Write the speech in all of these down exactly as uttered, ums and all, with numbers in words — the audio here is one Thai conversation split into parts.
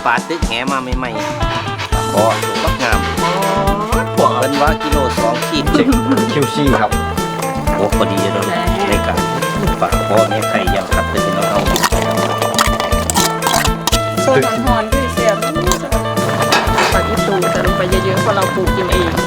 ปลาตึกแหมาใหม่ๆปลาคอตัวบักงามพวกเป็นว่ากิโลสองขีดเจ็ดคิวซี่ครับโอ้พอดีเลยในการปลาคอเนี่ยไข่ยำคัดเลยพี่น้องเอาโซนหอนๆคือเสียบปลาที่ตูจะลงไปเยอะๆเพราะเราปลูกกินเอง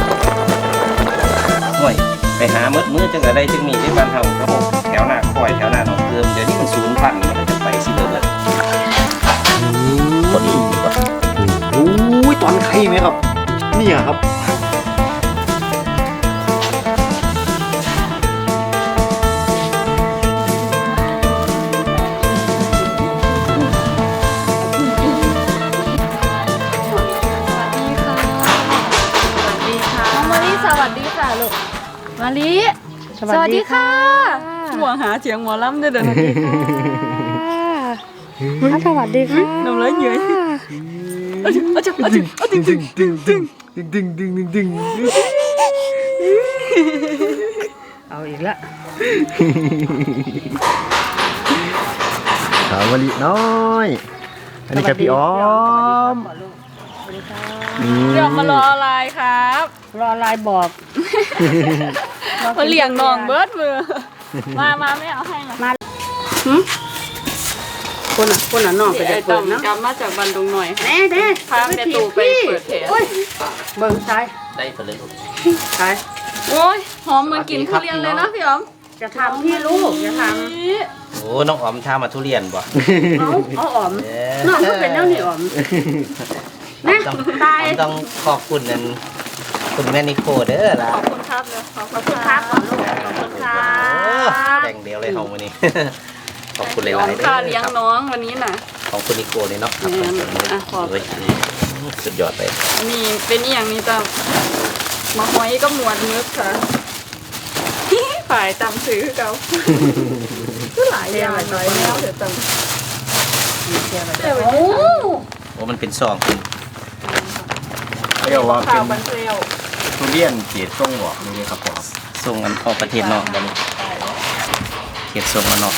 ห่วยไปหามืดมืดจังอะไรจึงมีที่บ้านเฮาครับผมแถวหน้าคอยแถวหน้าหนองเติมเดี๋ยวนี้มันศูนย์พันธุ์มันจะไปสิเลยเลยพอดีครับโอ้ยตอนไข่ไหมครับเนี่ยครับมาลิสวัสดีค่ะหัวหาเสียงหมอลำด้วยเด้อสวัสดีค่ะสวัสดีค่ะน้องเลยเหนื่อยเอาจึงเอาจึงเอาจึงเอาจึงดึงดึงดึงดึงดึงดึงดึงดึงเอาอีกละสาวลิน้อยอันนี้ครับพี่อ้อมเดี๋ยวมารออะไรครับรอลายบอกมาเลี้ยงน้องเบิร์ดมือมามาไม่เอาให้มาคนอ่ะคนอ่ะน้องไปจะเปิดนะกลับมาจากบันดงหน่อยแน่เด้พาแม่ตู่ไปเปิดแผลเบิ่งซ้ายได้ไปเลยซ้ายโอ้ยหอมเหมือนกินทุเรียนเลยนะพี่อ๋อมจะทำพี่ลูกจะทำโอ้น้องอ๋อมทำมาทุเรียนบ่เอาเอาอ๋อมน้องก็เป็นเจ้าหนี้อ๋อมนะตายต้องขอบคุณนั่นคุณแม่นิโคเด้อล่ะขอบคุณครับเลยขอบคุณครับขอบคุณครับแบ่งเดียวเลยของวันนี้ขอบคุณหลายๆเด้อค่าเลี้ยงน้องวันนี้น่ะของคุณนิโคเลยเนาะขอบสุดยอดเลยนี่เป็นอย่างนี้จ้ะมาหอยก็หมวดนึกค่ะฝ่ายจำซื้อเขาก็หลายอย่างหลายแนวเดี๋ยวจำโอ้โอ้มันเป็นซองคุณเรียกว่าเป็นทุเรียนเกศส่งออกนี่ครับผมส่งกันออกประเทศนอกบัดนี้เกศส่งมานอก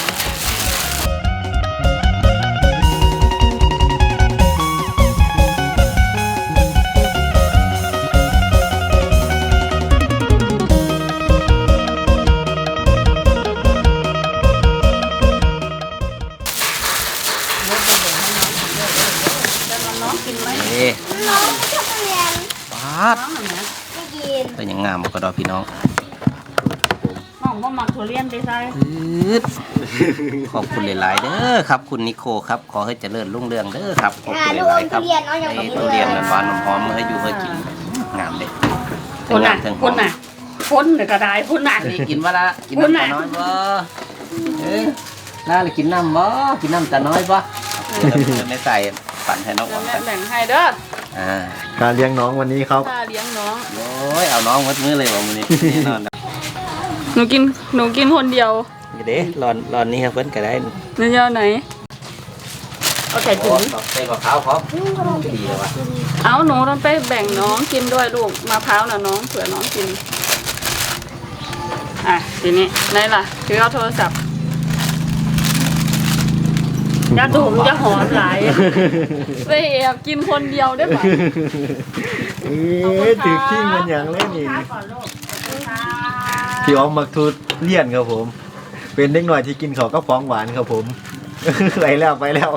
เป็นยังงามก็ดอพี่น้องน้องว่ามักทุเรียนไปใส่ขอบคุณหลายๆเด้อครับคุณนิโคครับขอให้เจริญรุ่งเรืองเด้อครับขอบคุณหลายๆครับให้ทุเรียนหวานหอมให้อยู่ให้กินงามเลยคนน่ะคนน่ะคนเนี่ยกระไดคนน่ะนี่กินว่าละกินน้ำตาน้อยบ่เอ้ยน่าเลยกินน้ำบ่กินน้ำตาน้อยบ่ไม่ใส่ปั่นให้น้องแบ่งให้เด้อการเลี้ยงน้องวันนี้ครับการเลี้ยงน้องโอ้ยเอาน้องมัดมือเลยวันนี้นอนหนูกินหนูกินคนเดียวเด้รอนรอนนี่ครับเพิ่นก็ได้เนื้อไหนเอาใส่ถุงใส่มะพร้าวครับดีเลยวะเอาหนูต้องไปแบ่งน้องกินด้วยลูกมะพร้าวน่ะน้องเผื่อน้องกินอ่ะทีนี้ไหนล่ะถือเอาโทรศัพท์จะถูกจะหอมหลายไปแอบกินคนเดียวได้ไหมเอ๊ะถือขี้มันอย่างเล่นนี่พี่อ้อมมักทุเรียนครับผมเป็นเด็กหน่อยที่กินข้าวก็ฟ้องหวานครับผมไปแล้วไปแล้ว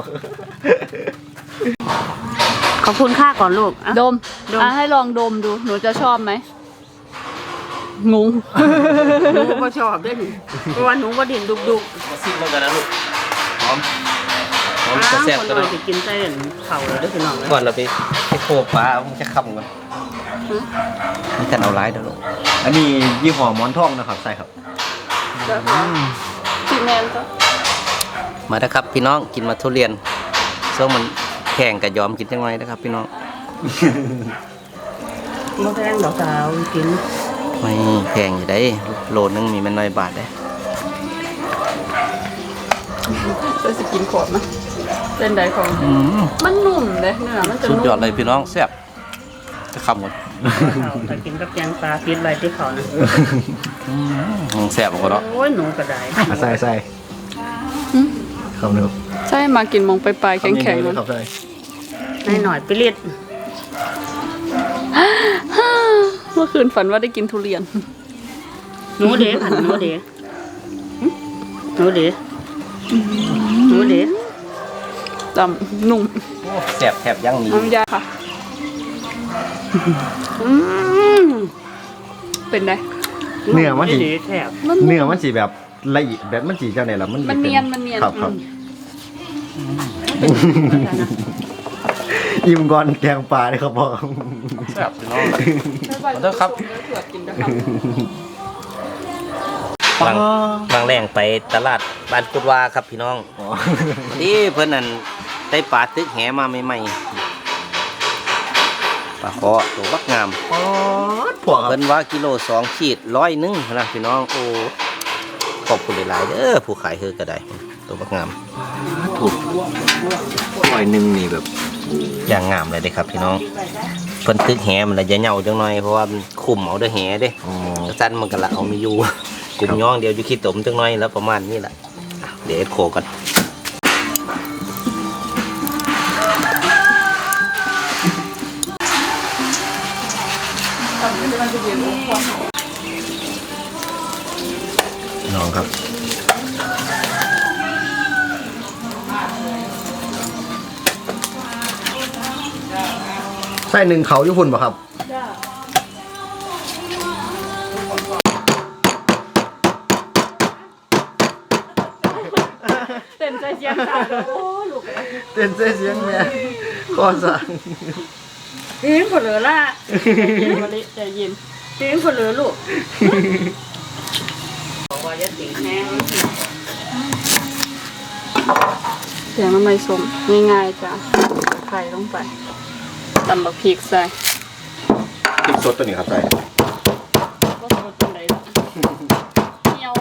ขอบคุณค่าก่อนลูกดมอ่ะให้ลองดมดูหนูจะชอบไหมงงหนูก็ชอบด้วยเพราะว่าหนูก็ดิ่นดุกดุกซิมกันนะลูกหอมคนเราจะกินเส้นเข่าเลยด้วยพี่น้องก่อนเราไปไปโคบปลามันจะคำกันมันจะเอาร้ายเด้อลูกอันนี้ยี่ห้อหมอนทองนะครับใช่ครับพี่แมนก็มาแล้วครับพี่น้องกินมาทุเรียนส้มมันแข่งกับยอมกินยังไงนะครับพี่น้องมะแพงดอกสาวกินไม่แพงอยู่ได้โลนึงมีมันน้อยบาทได้จะสกินขอดนะเป็นไดของมันนุ่มเลยเนื้อมันจะนุ่มสุดยอดเลยพี่น้องแซ่บจะคำหมดไปกินกับแกงปลาพิษอะไรที่เขานะแซ่บกว่าเนาะโอ้ยหนูกระไดใส่ใส่คำนึงใช่มากินมองไปปลายแข็งๆมันครับใช่นายหน่อยไปเรียดเมื่อคืนฝันว่าได้กินทุเรียนหนูเด๋ผันหนูเด๋หนูเด๋หนูเด๋จำนุ่มแสบแทบยังมีน้ำยาค่ะอืมเป็นไงเนื้อมันสิเด๋แถบเนื้อมันสิแบบละเอียดแบบมันสิเจ้าไหนล่ะมันสิมันป็เนียนมันเนียนครับครับอิ่มก่อนแกงปลาเลยครับพ่อแสบพี่น้องขอโทษครับเถื่อกินนะครับบางบางแรงไปตลาดบ้านกุดวาครับพี่น้องอ๋อนี่เพิ่นนั่นได้ปลาตึกแหมาใหม่ๆปลาคอตัวบักงามป๊อดพวกครับเพิ่นว่ากิโลสองขีดร้อยหนึงนะพี่น้องโอ้ขอบคุณหลายๆเด้อผู้ขายเฮอก็ได้ตัวบักงามถูกร้อยหนึ่งนี่แบบอย่างงามเลยเด้ครับพี่น้องเพิ่นตึกแหมันละจะเหงาจังหน่อยเพราะว่ามันคุมเอาเด้อแหเด้อ๋อสั้นมันก็ละเอาไม่อยู่กลุ่มย่องเดียวอยู่ขี้ตมจังหน่อยแล้วประมาณนี้แหละอ่ะเดี๋ยวโคกันน้องครับไส้หนึ่งเขาญี่ปุ่นป่ะครับเต้นใจเสียงจ้าโอ้ลูกเต้นเสียเสียงแม่ข้อสั่งตีนผลเหลือละมาลิใจเย็นตีนผลเหลือลูกบอกว่าจะตีแห้งเสียงน้ำมันส้มง่ายๆจ้ะไข่ลงไปตำบักพริกใส่พริกสดตัวนี้ครับใส่ก็สดเป็นไรล่ะเหนียว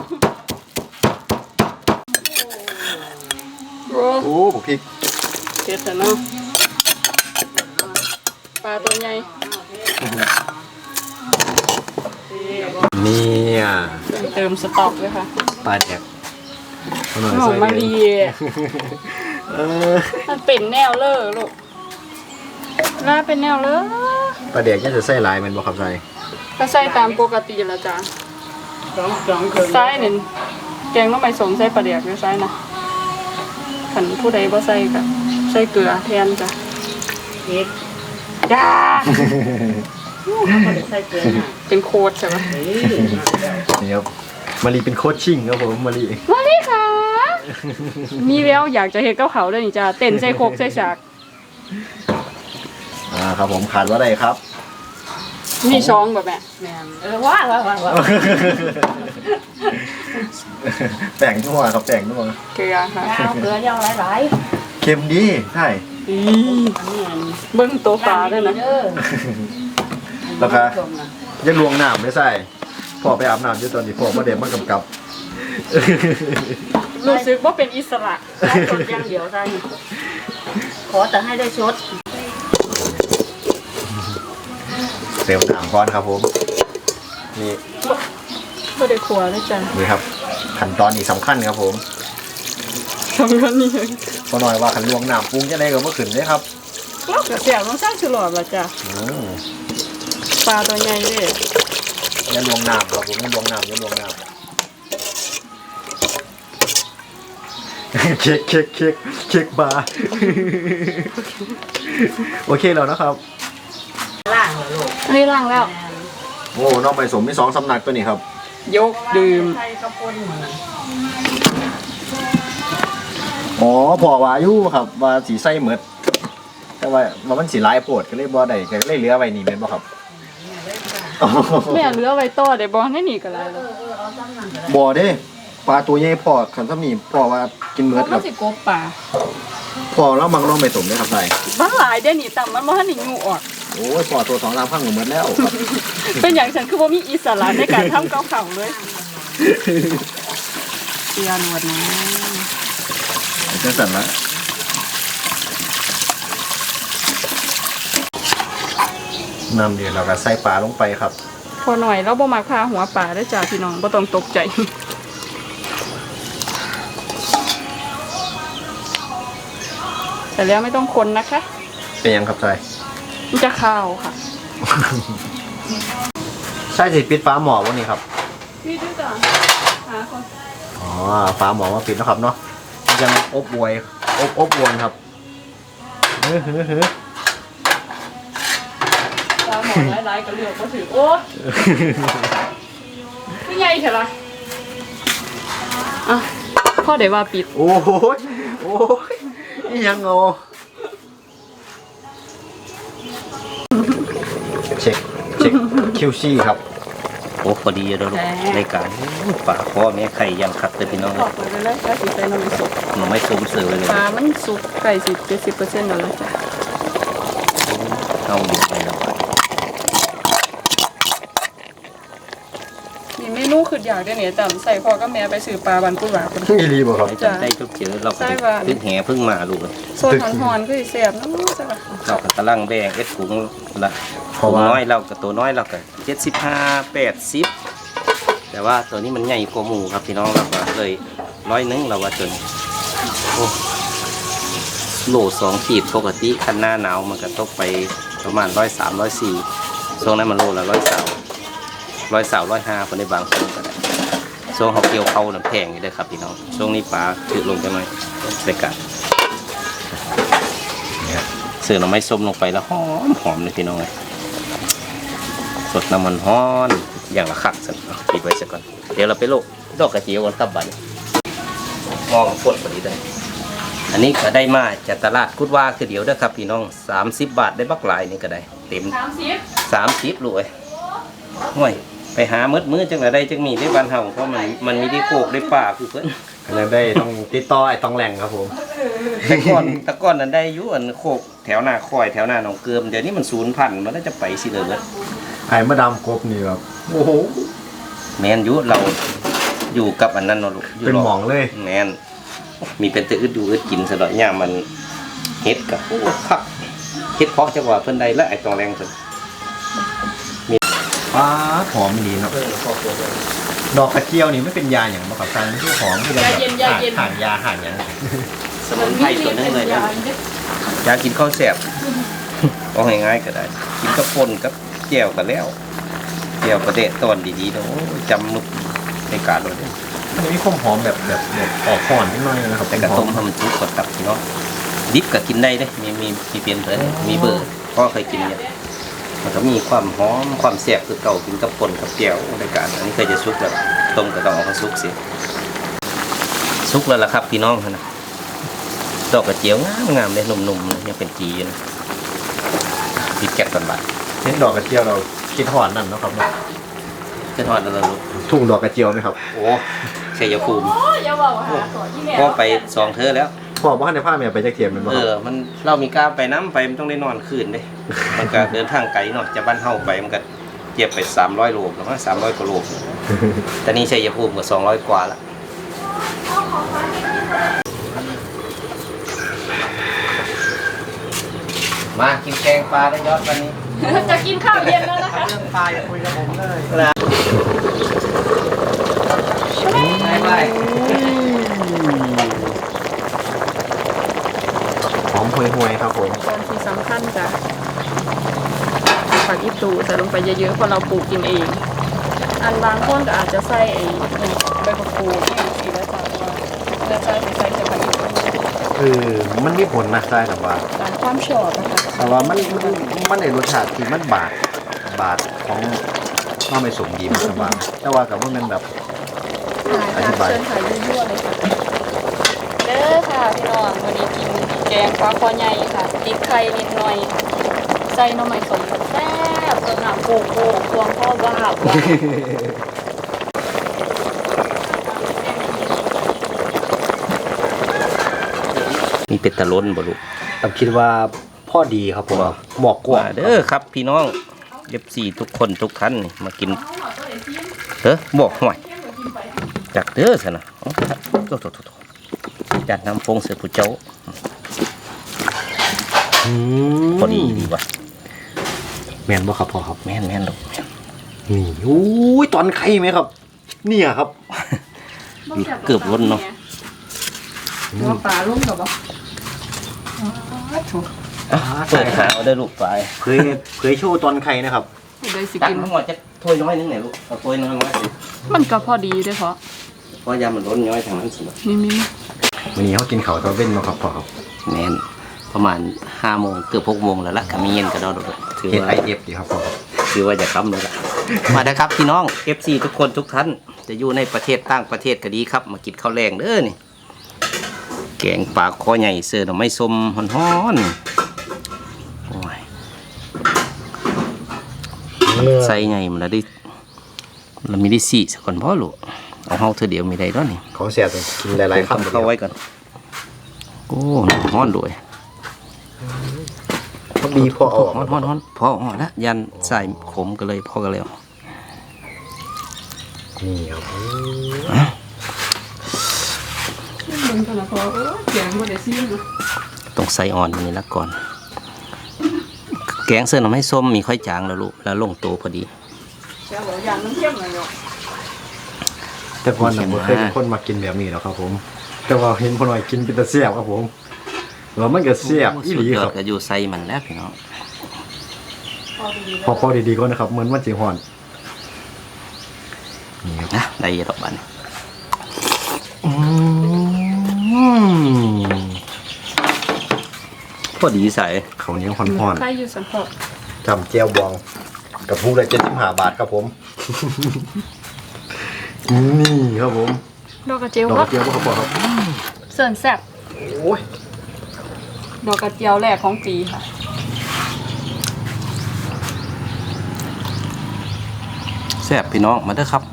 โอ้โอ้พริกเผ็ดแต่เนาะปลาตัวใหญ่เนี่ยเติมสต๊อกเลยค่ะปลาแดกเอาหน่อยหอมใส่มะเลยลีเออมันเป็นแนวเลอลูกน่าเป็นแนวเลอปลาแดกยังจะใส่ลายแมันบ่ครับใส่ก็ใส่ตามปกติแล้วจ้ะสองสองคืนใส่เนี่ยแกงต้องไปสมใส่ปลาเดียกด้วยใส่นะขันผู้ใดบ่ใส่ก็ใส่เกลือแทนจ้ะเอ็ดจ้าเขาจะใส่เกลือหน่อยเป็นโคตรใช่ไหมเฮ้ยนี่ครับมารีเป็นโคชชิ่งครับผมมารีมาดิค่ะ มีแววอยากจะเห็นกับเขาด้วยนี่จ้ะเต้นใส่โคกใส่ฉากอ่าครับผมขาดว่าอะไรครับมีช้องแบบแม่แม่นเออว่าว่าว่าว่าแต่งนัวครับแต่งนัวเกลือค่ะยาวเกลือยาวหลายเค็มดีใช่อีๆอันนี้อันเบิ้งตัวปลาด้วยนะเด้อแล้วก็ยังลวงน้ำไม่ใส่พอไปอาบน้ำอยู่ตอนนี้พอมาเด็มมากำกับรู้สึกว่าเป็นอิสระใส่สดอย่างเดียวใส่ขอแต่ให้ได้ชดเติมน้ำก่อนครับผมนี่ไม่ได้ครัวด้วยจ้ะนี่ครับขั้นตอนนี้สำคัญครับผมสำคัญนี่เองพอหน่อยว่าขันลวงน้ำปรุงจะได้ก็เมื่อคืนเลยครับเรากระเสียบต้องสร้างฉลอดละจ้ะอืมปลาตัวใหญ่เลยอย่าลวงน้ำครับผมอย่าลวงน้ำอย่าลวงน้ำ เค้กเค้กเค้กเค้กบาร์ โอเคแล้วนะครับล่างเหรอลูกอันนี้ล้างแล้วโอ้น้องไปสมมีสองสำนักตัวนี้ครับยกดื่มใส่ข้าวปุ้นเหมือนอ๋อพอว่าอยู่ครับว่าสีไส้เหมือดแต่ว่าว่ามันสีลายโปวดก็เลยบ่ได้ก็เลยเหลือไว้นี่เป็นบ่ครับแม่เหลือไว้ต่อได้บ่ให้หนีกันแล้วเออเออเอาซ้ำนั่นก็ได้บ่เด้ปลาตัวใหญ่พอคันถ้ามีพอว่ากินเหมือดมักับนสิกบป่าพอแล้วมังน้องไปสมได้ครับใส่บ้านหลายได้หนีต่ำมันบ่ให้หนีงูออกโอ้ยพอตัวสองสามพังก็เหมือดแล้วครับเป็นอย่างฉันคือว่ามีอิสระในการทำเกาเข่าเลยเตียนวดนะจังสั่นละน้ำเดือดเราก็ใส่ปลาลงไปครับพอหน่อยเราบ่มาพาหัวป่าได้อจ้าพี่น้องบ่ต้องตกใจแต่แล้วไม่ต้องคนนะคะเป็นยังครับใช่มันจะข้าวค่ะใช่สิปิดฟ้าหมอวันนี้ครับพี่ด้วยจ้ะหาคนอ๋อฟ้าหมอมาปิดนะครับเนาะยังอบอวยอบอบอวนครับเฮ้ยเฮ้ยเฮ้ยตาหมอหลายๆก็เลือกมาถือโอ้พี่ใหญ่เถอะล่ะอ่ะพ่อเดี๋ยวว่าปิดโอ้ยโอ้ยนี่ยังโงเช็คเช็คคิวซี่ครับโอ้พอดีแล้วลูกในการฝากพ่อแม่ไข่ยังคัดเลยพี่น้องขอบคุณเลยแล้วสิใส่นมสุกหนูไม่สมเสือเลยปลามันสุกไก่สิบเจ็ดสิบเปอร์เซ็นต์แล้วเลยจ้ะเอาอยู่ไปแล้วมีเมนูคืออยากได้เนี่ยจำใส่พ่อกับแม่ไปซื้อปลาบันกุหลาบกันอีรีบ่ครับจำได้ทุกเจอเราก็ขึ้นแห่พึ่งมาลูกเลยโซนหอนๆก็สิแซ่บเนาะจ้ะเราก็กำลังแบ่งเอ็ดถุงละเพราะว่าน้อยเรากับตัวน้อยเราก็เจ็ดสิบห้าแปดสิบแต่ว่าตัวนี้มันใหญ่กว่าหมูครับพี่น้องเราก็เลยร้อยนึงเราว่าจนโอ้โลสองขีดปกติคันหน้าหนาวมันก็ตกไปประมาณร้อยสามร้อยสี่ช่วงนั้นมันโลละร้อยสาวร้อยสาวร้อยห้าคนในบางช่วงก็ได้ช่วงเขาเกี่ยวเข้าน้ำแพงอยู่เลยครับพี่น้องช่วงนี้ปลาถือลงจะหน่อยไปกันเสือหน่อไม้ส้มลงไปแล้วหอมหอมเลยพี่น้องเลยสดน้ำมันฮ้อนอย่างละขักสักปิดไว้สักก่อนเดี๋ยวเราไปโลกดอกกระเจียวกันครับบัดนี้มองฝนพอดีได้อันนี้ก็ได้มาจากตลาดกุดว่าคือเดียวเด้อครับพี่น้องสามสิบบาทได้บักหลายนี่ก็ได้เต็มสามสิบสามสิบลูกเอ้ยห่วยไปหามืดมืดจังไรได้จังมีได้บ้านเฮาเพราะมันมันมีได้โคกได้ป่าคือเพิ่นอันนั้นได้ต้องติดต่อไอ้ต้องแหล่งครับผมแต่ก่อนแต่ก่อนนั้นได้อยู่อันโคกแถวหน้าคอยแถวหน้าหนองเกิมเดี๋ยวนี้มันศูนย์พันธุ์มันน่าจะไปสิเลยเบิดไอ้มาดามกบนี่ครับโอ้โหแมนอยู่เราอยู่กับอันนั้นเนาะลูกยู่เป็นรหมองเลยแมนมีเป็นแต่อึดดูอึดกินซะดอกย่ามมันเฮ็ดกับโอ้คักเฮ็ดเพาะจังหวะเพิ่นได้และไอ้ตองแรงเพิ่นป้าหอมดีเนาะดอกกระเจียวนี่ไม่เป็นยาอย่างมาขับซังที่หอมที่เราแบบห่างยาห่างอย่างสมุนไพรตัวนึงเลยนะอยากกินข้าวแซ่บเอาง่ายๆก็ได้กินกับป่นกับแจ่วก็แล้วแจ่วประเดะตอนดีๆเนาะโอ้ยจำนุกในการเลยเด้อมันมีความหอมแบบแบบแบบออกห่อนนิดหน่อยนะครับแต่กระต้มให้มันสุกกดตับเนาะดิบก็กินได้เด้มีมีมีเปลี่ยนเผยมีเบอร์ก็เคยกินเนี่ยมันก็มีความหอมความแซ่บคือเก่ากินกับป่นกับแจ่วในการอันนี้เคยจะสุกแล้วต้มก็ต้องเอามาสุกสิสุกแล้วล่ะครับพี่น้องนะดอกกระเจียวงามงามเลยนุ่มๆเลยยังเป็นจีอยู่นะติดแก๊สกันบัดเน้นดอกกระเจียวเราคิดหอนนั่นเนาะครับเนาะจะทอดแล้วลูกทุ่งดอกกระเจียวไหมครับโอ้ชัยภูมิโอ้ยอย่าบอกหาขอที่แม่ก็ไปสองเธอแล้วพ่อบ้านในผ้าเมียไปจะเทียมมันบ่เอครับอ มันเรามีกล้าไปน้ำไปมันต้องได้นอนคืนเด้ มันก็เดินทางไกลเนาะจากบ้านเฮาไปมันก็เจ็บไปสามร้อยโลประมาณสามร้อยกว่าโลแต่นี่ชัยภูมิก็สองร้อยกว่าละมากินแกงปลาได้ยอดวันนี้จะกินข้าวเย็นแล้วนะคะเรื่องปลาอย่าคุยกับผมเลยไปไปหอมห่วยๆครับผมตอนที่สำคัญจ้ะผักอีตูใส่ลงไปเยอะๆเพราะเราปลูกกินเอง อันบางคนก็อาจจะใส่ไอ้ใบมะกรูดที่สีแล้วจ้ะว่าแล้วใส่ใส่แต่ผักอีตูคือมันมีผลนะใช่แต่ว่าตามความชอบนะคะแต่ว่ามันมันมันในรสชาติที่มันบาดบาดของน้าไม่สมดีมันสบายแต่ว่ากับว่ามันแบบ อธิบายเชิญถ่ายยั่วๆเลยค่ะเด้อค่ะพี่น้องวันนี้กินแกงปลาคอใหญ่ค่ะติดไข่นิดหน่อยใส่หน่อไม้สมแซ่บเติมน้ำโกโก้ควงพ่อบ้าบว่ามีเป็ดตะล้นบ่ลูกผมคิดว่าพ่อดีครับผมหมอกกว่าเด้อครับพี่น้องเอฟซีทุกคนทุกท่านนี่มากินเด้อบอกหน่อยจากเด้อสินะโอ้โหโถ่โถ่โถ่จัดน้ำฟงเสือผู้เจ้าพอดีดีว่ะแม่นบ่ครับพ่อครับแม่นแม่นลูกแม่นนี่อุ้ยตอนไข่ไหมครับ เนี่ยครับเกือบล้นเนาะว่าปลาลุ่มกับบ่อเปิดหาเอาได้ลูกไปเคยเคยโชว์ตอนไข่นะครับได้สิตักกินทั้งหมดจะถ้วยน้อยนึงไหนลูกเอาถ้วยน้อยน้อยสิมันก็พอดีเด้อเพราะเพราะยามันล้นน้อยทางนั้นสินี่มีวันนี้เขากินเขาวตอนเว้นมาครับพ่อครับแน่นประมาณห้าโมงเกือบหกโมงแล้วล่ะก็มีเย็นก็ได้ถือเฮ็ดว่าไอเอฟดีครับพ่อครับถือว่าจะค้ำเลยล่ะมาได้ครับพี่น้อง เอฟ ซี ทุกคนทุกท่านจะอยู่ในประเทศต่างประเทศก็ดีครับมากินข้าวแรงเด้อนี่แกงปลาคอใหญ่เสือหน่อไม้ส้มฮ้อนๆโอ้ยใส่ใหญ่มันละดิเรามีได้สี่สักคนพ่อลูกเอาเฮาเธอเดียวมีได้ด้วยนี่ของเสียตัวกินหลายๆคำเข้าไว้ก่อนโอ้ฮ้อนด้วยเขาบีพ่อเอาออกฮ้อนฮ้อนฮ้อนพออ๋อแล้วยันใส่ขมกันเลยพอกันแล้วนี่ครับมึงกันนะพอเออแกงบ่ได้ซิมนะต้องใส่อ่อนอันนี้ละก่อน แกงเสื้อหน่อไม้ส้มมีค่อยจางแล้วลูกแล้วลงตัวพอดีแกบอกอย่างมันเข้มหน่อยเนาะแต่ก่อนผมเคยเป็นคนมากินแบบนี้แล้วครับผม แต่ว่าเห็นพ่อหน่อยกินเป็นตะเสียบครับผมแล้วมันก็เสียบอีหลีสุดยคอรัดบก็อยู่ใส่มันแล้วพี่น้องพอพอดีๆก็นะครับเหมือนมันจีฮอนนี่ครับนะได้ดอกบันอืมพอดีใส่เขาวเหนี้ยวฮอนใครอยู่สันพอๆจำเจียวบองกับผู้ละเจ็ดสิบห้าบาทครับผม นี่ครับผมดอกกระเจียวดอกคกรัระบเจียวครับผมครับเสิร์นแซ่บโอ้ยดอกกระเจียวแรกของปีค่ะแซ่บพี่น้องมาเด้อครับ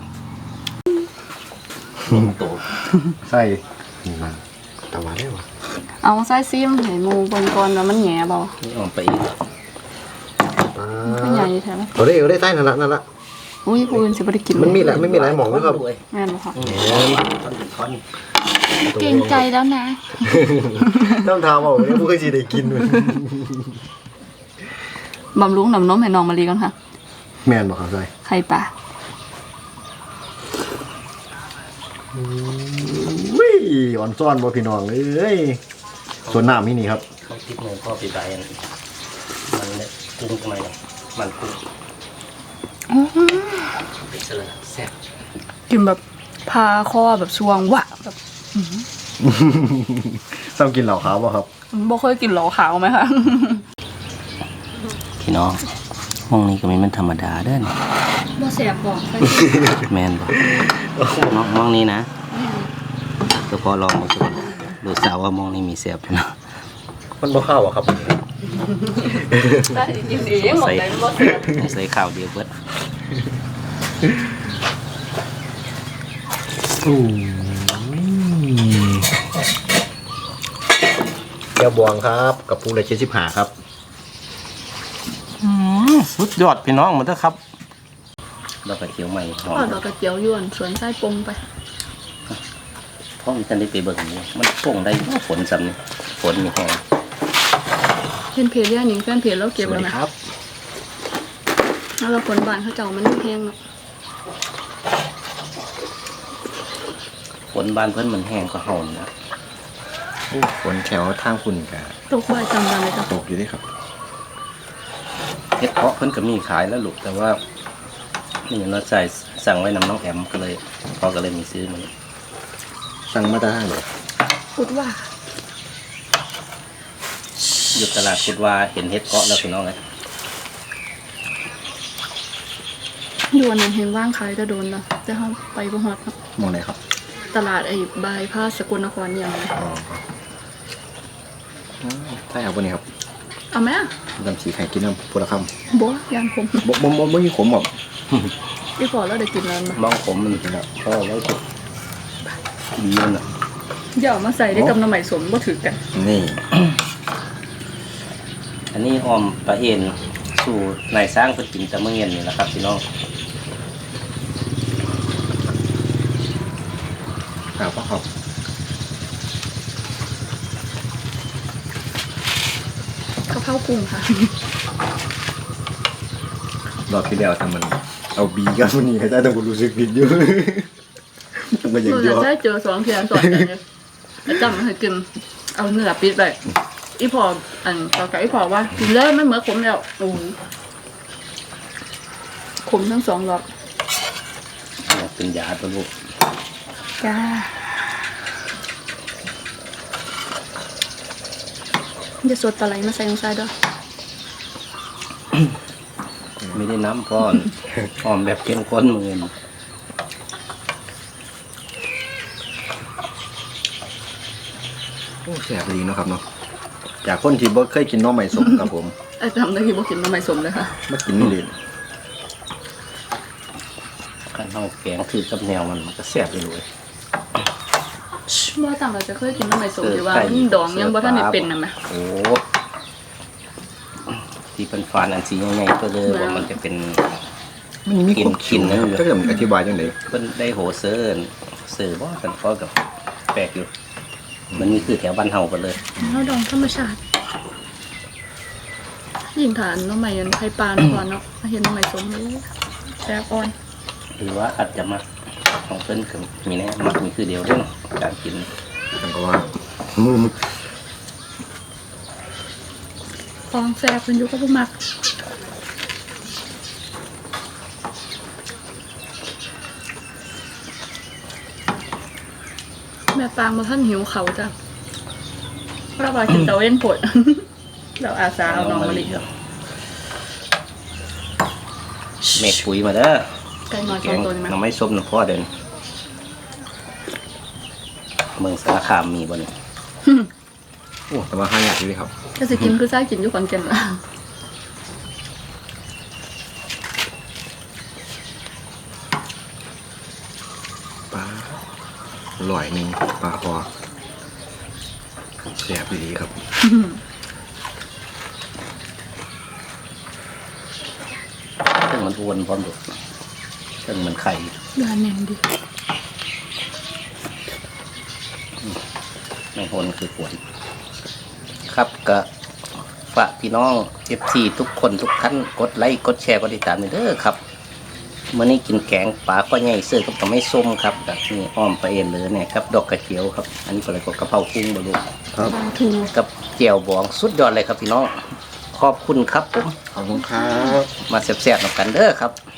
ลงตัวใส่นี่มันตะวันได้ปะเอาใส่ซิมให้หมูเบิ่งก่อนว่ามันแหง่บ่นี่ออกไปอีกมันใหญ่แท้ไหมเอาได้เอาได้ใต้นั่นละนั่นละอุ้ยผู้อื่นสิบ่ได้กินมันมีแหละไม่มีหลายหมองด้วยครับแม่นบ่ค่ะท่อนเป็นท่อนเกรงใจแล้วนะต้องทำเอาเนี่ยผู้เคยจีได้กินมันบำรุงน้ำนมให้น้องมะลิก่อนค่ะแมนบอกครับใส่ไข่ปลาวิ่งอ่อนซ่อนบ่พี่น้องเอ้ยส่วนน้ำนี่นี่ครับเขาคิดเงินพ่อปีใบอันมันเนี่ยกุ้งทำไมเนี่ยมันกุ้งเป็นเสือแซ่บกินแบบพาคอแบบช่วงวะแบบซ้ำกินเหล่าขาวบ่ครับบ่เคยกินเหลาขาวไหมคะพี่น้องห้องนี้ก็ไม่เป็นธรรมดาเด้อนบ่แสบบ่แมนบอกน้องห้องนี้นะก็พอลองมาสุดดูสาวว่ามองนี้มีแซ่บอยู่นะมันบ่ข้าวอ่ะครับได้กินเองหมดเลยบ่แสบใส่ข้าวเดียวเบิดอืมแก้วบวงครับกับปูเลยเจ็ดสิบห้าครับสุดยอดพี่น้องมาเถอะครับดอกกระเจียวใหม่หอมทอดดอกกระเจียวยวนสวนไส้ปงไปพ่อมีกันได้ไปเบิ่งนี่มันป่งได้ฝนซ้ำนี่ฝนมีแห้งเห็นเพจเรื่องนี้แฟนเพจเราเก็บสวัแล้สวดีนะครับ แล้วเราผลบานเขาเจ้ามันแห้งเนาะฝนบานเพิ่นมันแห้งก็เฮานะฝนแถวทางคุณกะตกบ่ายจำวันเลยจ้ะตกอยู่ด้วยครับเฮ็ดเพาะเพิ่นก็มีขายแล้วลูกแต่ว่านี่เราใส่สั่งไว้นำน้องแอมก็เลยพ่อก็เลยมีซื้อมันสั่งมาได้เลยพูดว่าอยู่ตลาดคิดว่าเห็นเฮ็ดเพาะแล้วพี่น้องไงอยู่อันนั้นเห็นว่างขายจะโดนแล้วจะเข้าไปบ่ฮอดเนาะมองไหนครับตลาดไอ้บายพาสสกลนครอย่างไรอ๋อใช่ครับวันนี้ครับเอาไหมอะน้ำสีไข่กินน้ำพุทธคำบ่ยานผมบ่บ่บ่บ่มีขมหรอกอีพอแล้วได้กินแล้วมั้ยมองผมมันก็พ่อไว้ก็ดีมันอ่ะอย่าเอามาใส่ได้กับน้ำใหม่สมบ่ถือกันนี่อันนี้ออมปลาเอ็นสู่นายสร้างเพิ่นกินแต่เมื่อเย็นนี่แหละครับพี่น้องครับพ่อครับข้าวเผากุ้งค่ะรอบที่แล้วทำมัน เอาบีกับวันนี้ก็ได้ต้องรู้สึกผิดอยู่ มันก็ยังเรายจะอได้เจอสองเทียนสอนกันเนี่ยแล้วจำให้กินเอาเนื้อปิดไปอีพออันต่อกับอีพอว่ากินเลยมันเหมือนขมแล้วโอ้ขมทั้งสองรอบเป็นยาตัวลูกจ้าจะสดปลาไหลมาใส่ลงใส่ด้วยไม่ได้น้ำพอนหอมแบบเข้มข้นมือโอ้แซ่บดีเนาะครับเนาะจากคนที่บ่เคยกินหน้อใหม่สมครับผมไอ้ทำได้ที่บอกกินน้ำไม่สมเลยค่ะมากินนี่เลยขั้นเท่าแกงคือกับแนวมันมันก็แซ่บไปเลยว่าต่างเราจะเคยกินน้ำไม่สมเออหรือว่าไก่ดองยังบ่ท่านได้เป็นนะแม่โอ้ที่เป็นฟานอันสีใหญ่ๆตัวเลยว่ามันจะเป็นมันมีกินความกินนั่นอยู่จะเริ่มอธิบายจังได๋เป็นได้โหเซิร์นเสือว่ากันพอกับแปลกอยู่ มันนี่คือแถวบ้านเฮาไปเลยเราดองธรรมชาติยิ่งฐานน้ำใหม่ยันไข่ปลาก่อนเนาะเห็นน้ำใหม่สมเลยแซ่บอ่อนหรือว่าอาจจะมาของเพิ่นกับมีแน่มักมีคือเดียวเรื่องการกินจังก็ว่ามือมันฟองแซ่บเป็นอยุคก็บ่มักแม่ปางมาท่านหิวเขาจ้ะเพราะว่ากินเตาเว้นผด เราอาสาเอาน้องมาลิเมกปุ๋ยมาเด้อไก่น้อยแกสองงตัวนี่มั้ยน้ำไม่ส้มน้ำพ่อเดินเมืองสารคามมีบ่เนี่ยโอ้แต่ว่าห้าอย่างนี้ครับถ้าสิกินคือซ่ากินอยู่ขอนแก่นละปลาอร่อยหนึงปลาคอแซ่บดีครับซึ่งมันอ้วนพร้อมดุซึ่งมันไข่ยาแน่นดิไม่โหนคือขวนครับก็ฝากพี่น้องเอฟซีทุกคนทุกท่านกดไลค์กดแชร์กดติดตามเด้อครับเมื่อนี้กินแกงปลาก็ใหญ่เสื้อกับตะไม่ส้มครับแบบนี้อ้อมไปเอ็นเลยเนี่ยครับดอกกระเจียวครับ อันนี้ก็เลยก็กระเพรากุ้งบะลูกครับปลาทูกับเจียวบองสุดยอดเลยครับพี่น้องขอบคุณครับผมขอบคุณครับมาแซ่บๆหน่อยกันเด้อครับ